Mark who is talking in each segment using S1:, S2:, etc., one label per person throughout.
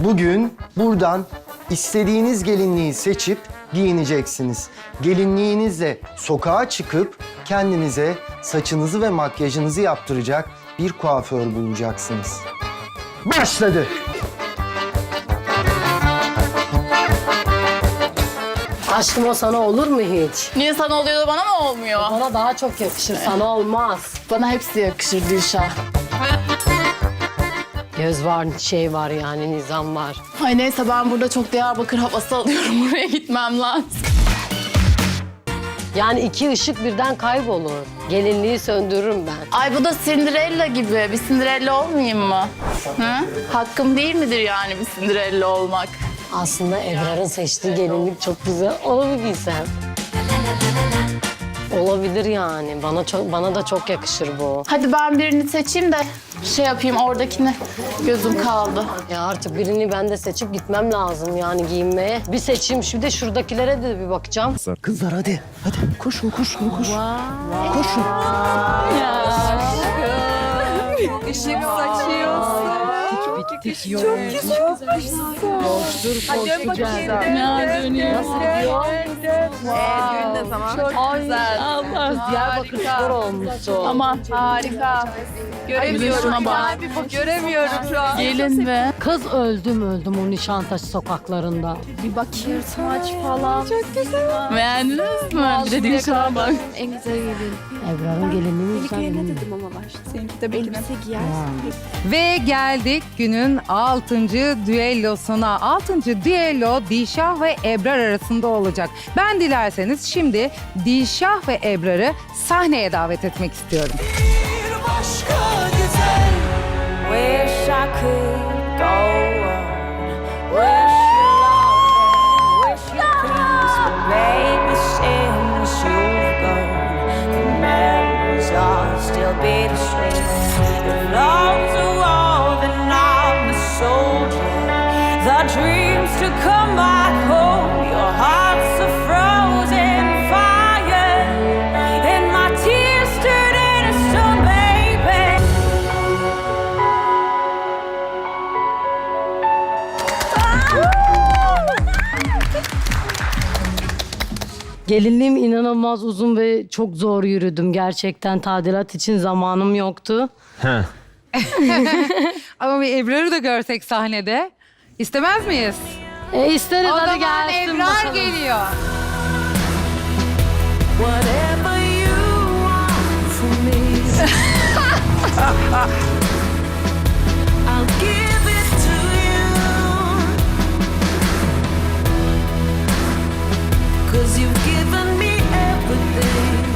S1: Bugün buradan istediğiniz gelinliği seçip giyineceksiniz. Gelinliğinizle sokağa çıkıp kendinize saçınızı ve makyajınızı yaptıracak bir kuaför bulacaksınız. Başladı.
S2: Aşkım o sana olur mu hiç?
S3: Niye sana oluyor da bana mı olmuyor?
S2: Bana daha çok yakışır, sana olmaz.
S3: Bana hepsi yakışır Dilşah.
S2: Göz var, şey var yani, nizam var.
S3: Ay neyse ben burada çok Diyarbakır havası alıyorum. Buraya gitmem lazım.
S2: Yani iki ışık birden kaybolur. Gelinliği söndürürüm ben.
S3: Ay bu da Cinderella gibi. Bir Cinderella olmayayım mı? Hı? Hakkım değil midir yani bir Cinderella olmak?
S2: Aslında Ebrar'ın seçtiği gelinlik çok güzel. Onu mu giysem? Olabilir yani. Bana da çok yakışır bu.
S3: Hadi ben birini seçeyim de şey yapayım oradakini. Gözüm kaldı.
S2: Ya artık birini ben de seçip gitmem lazım yani giyinmeye. Bir seçeyim, şimdi de şuradakilere de bir bakacağım.
S1: Kızlar hadi. Hadi koşun. Koşun.
S4: Işık saçıyorsun. Çok güzel. Hadi dön bakayım.
S3: Ya dönüyor.
S2: Nasıl gidiyor?
S4: Düğün ne zaman? Çok güzel.
S3: Allah.
S2: Diyarbakır spor olmuşsun.
S3: Aman
S4: Harika. Göremiyorum.
S3: Şuna bak.
S4: Göremiyorum şu an.
S3: Gelin be.
S2: Kız öldüm o Nişantaşı sokaklarında.
S4: Bir bakayım saç falan. Çok güzel.
S3: Beğendiniz mi? Bir de Dilşah'a bak.
S4: En güzel gelin.
S2: Ebrar'ın gelinliği güzel.
S4: Ne dedim ama başta. Seninki de elbise giyer.
S5: Ve geldik günün 6. düellosuna. 6. düello Dilşah ve Ebrar arasında olacak. Ben dilerseniz şimdi Dilşah ve Ebrar'ı sahneye davet etmek istiyorum.
S6: Wish I could go on. Wish you love and wish you peace, but baby, since you've gone, the memories are still bittersweet. Your love's a war, then I'm a soldier. The dreams to come back home, your heart's a frozen fire, and my tears turn into stone, baby.
S2: Gelinliğim inanılmaz uzun ve çok zor yürüdüm. Gerçekten tadilat için zamanım yoktu.
S5: Ama bir Ebrar'ı da görsek sahnede istemez miyiz?
S2: İsteriz,
S5: O
S2: hadi
S5: zaman
S2: gelsin
S5: Ebrar
S2: bakalım.
S5: geliyor.
S6: Whatever you want from me, I'll give it to you. 'Cause you've given me everything.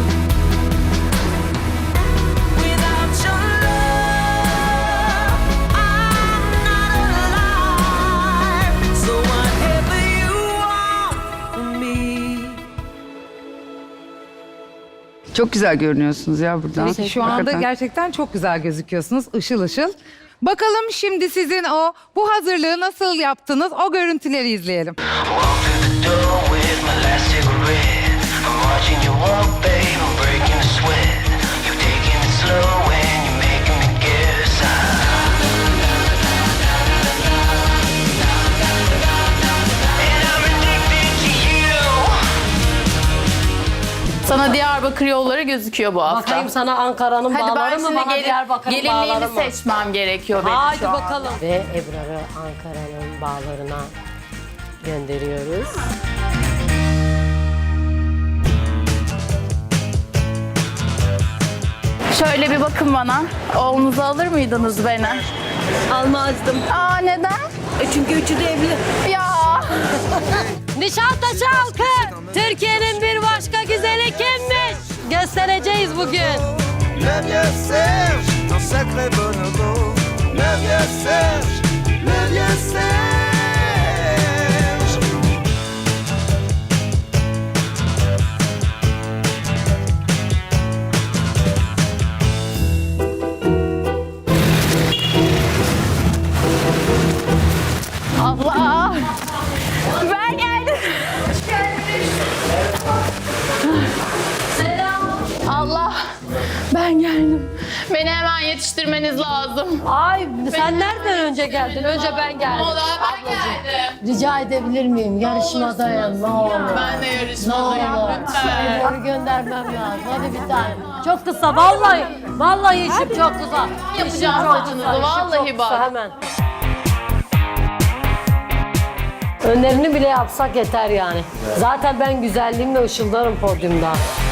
S6: Without your love, I'm not alive. So whatever you want from me.
S7: Çok güzel görünüyorsunuz ya buradan.
S5: Şu anda
S7: Hakikaten.
S5: gerçekten çok güzel gözüküyorsunuz. Işıl ışıl. Bakalım şimdi sizin bu hazırlığı nasıl yaptınız? O görüntüleri izleyelim.
S8: Walk through the door with my last cigarette. I'm watching you walk, babe, I'm breaking a sweat. You taking it slow and you're making me guess. And I'm addicted to you.
S3: Sana Diyarbakır yolları gözüküyor bu hafta.
S2: Bakayım sana Ankara'nın
S3: Hadi ben
S2: bağları mı,
S3: şimdi
S2: bana Diyarbakır'ın bağları
S3: gelinliğimi
S2: mı?
S3: seçmem gerekiyor benim
S2: Haydi
S3: şu an.
S2: bakalım. Ve Ebrar'ı Ankara'nın bağlarına gönderiyoruz.
S3: Şöyle bir bakın bana. Oğlunuza alır mıydınız beni?
S2: Almazdım.
S3: Aa neden?
S2: Çünkü üçü de evli.
S3: Ya.
S2: Nişantaşı halkı, Türkiye'nin bir başka güzeli kimmiş? Göstereceğiz bugün.
S9: Le vieux Serge, un sacré bonobo. Le vieux Serge, le vieux Serge.
S3: Allah. Ben geldim. Selam. Allah, ben geldim. Beni hemen yetiştirmeniz lazım.
S2: Ay sen nereden önce geldin? Önce ben geldim.
S3: O da ben geldim.
S2: Rica edebilir miyim? Yarışmadayım. Ne olur.
S3: Ben de
S2: Ne
S3: yarışmadayım
S2: olur.
S3: lütfen.
S2: Seni göndermem lazım. Hadi bir tane. Çok kısa vallahi. Vallahi işim çok kısa.
S3: Yapacağım
S2: çok
S3: saçınızı,
S2: kısa, işim
S3: vallahi
S2: çok
S3: bak.
S2: kısa, hemen. Önlerini bile yapsak yeter yani. Zaten ben güzelliğimle ışıldarım podyumda.